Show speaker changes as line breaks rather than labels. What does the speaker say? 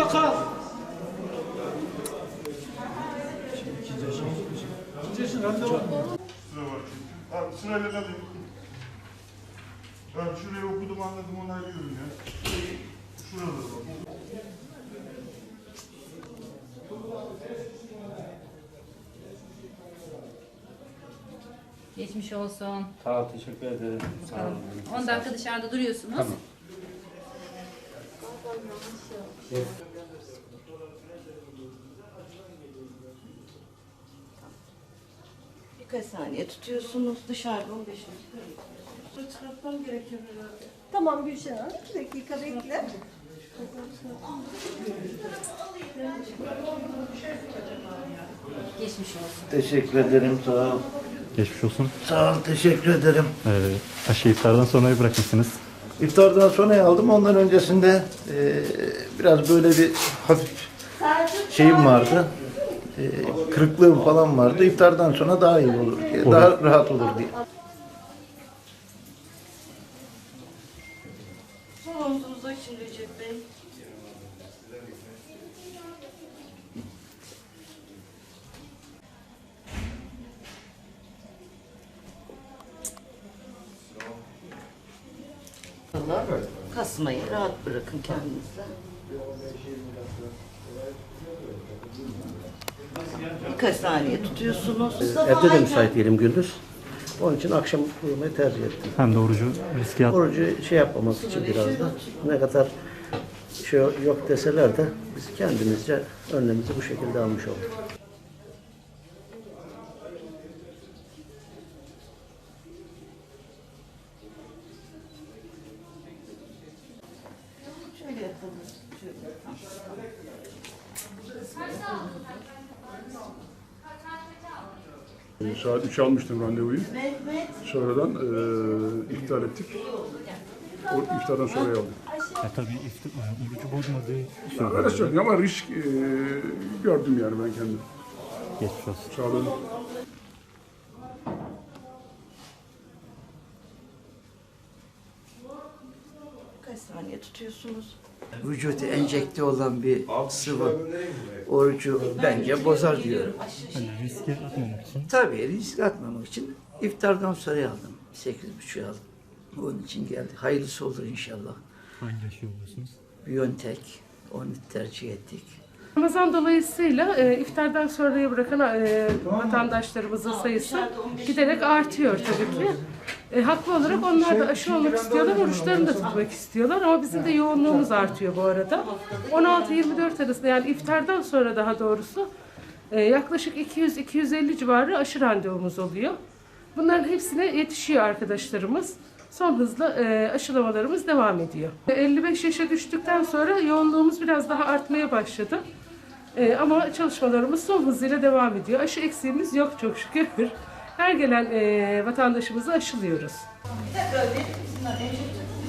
kal. İkinci randevu.
Sıra var çünkü. Abi sırayla alayım. Ben şurayı okudum anladım onaylıyorum ya. Şurada bak.
Geçmiş olsun.
Sağ ol, teşekkür ederim. Sağ
Bakalım.
olun.
10 dakika dışarıda duruyorsunuz.
Tamam.
Birkaç saniye tutuyorsunuz. Dışarıda 15 dakika.
Çıkartmam gerekiyor herhalde.
Tamam Gülşen Hanım, 2 dakika bekle.
Geçmiş olsun.
Teşekkür ederim, sağ ol.
Geçmiş olsun.
Sağ ol, teşekkür ederim.
Aşı iftardan sonra bırakmışsınız.
İftardan sonra aldım, ondan öncesinde biraz böyle bir hafif şeyim vardı. Kırıklığım falan vardı. İftardan sonra daha iyi olur diye, daha rahat olur diye.
Sol omzunuzu açın Recep Bey. Kasmayı rahat bırakın kendinize. Birkaç saniye tutuyorsunuz.
Evde de müsait değilim gündüz. Onun için akşam uyumayı tercih ettim.
Hem de orucu riske at.
Orucu şey yapmaması için biraz da ne kadar şey yok deseler de biz kendimizce önlemimizi bu şekilde almış olduk.
Şöyle yapalım. Şöyle.
Saat 3'e almıştım randevuyu. Sonradan iptal ettik. O iftardan sonra aldım.
Tabii orucu bozmadığı
Öyle söyleyeyim ama risk gördüm yani ben kendim.
geçmiş olsun.
Sağ olun.
Birkaç saniye tutuyorsunuz.
Vücuda enjekte olan bir sıvı orucu bence bozar diyorum.
Hani riske atmamak için.
Tabii risk atmamak için iftardan sonra aldım. 8.30 aldım. Onun için geldi. Hayırlısı olur inşallah.
Hangi aşı oluyorsunuz?
Biontech, onu tercih ettik.
Ramazan dolayısıyla iftardan sonraya bırakan vatandaşlarımızın sayısı giderek artıyor tabii ki. Haklı olarak onlar da aşı olmak istiyorlar, oruçlarını da tutmak istiyorlar ama bizim de yoğunluğumuz artıyor bu arada. 16-24 arasında yani iftardan sonra daha doğrusu yaklaşık 200-250 civarı aşı randevumuz oluyor. Bunların hepsine yetişiyor arkadaşlarımız. Son hızla aşılamalarımız devam ediyor. 55 yaşa düştükten sonra yoğunluğumuz biraz daha artmaya başladı. Ama çalışmalarımız son hızıyla devam ediyor. Aşı eksiğimiz yok çok şükür. Her gelen vatandaşımızı aşılıyoruz.
Tekrar verin. Bizimle enjekte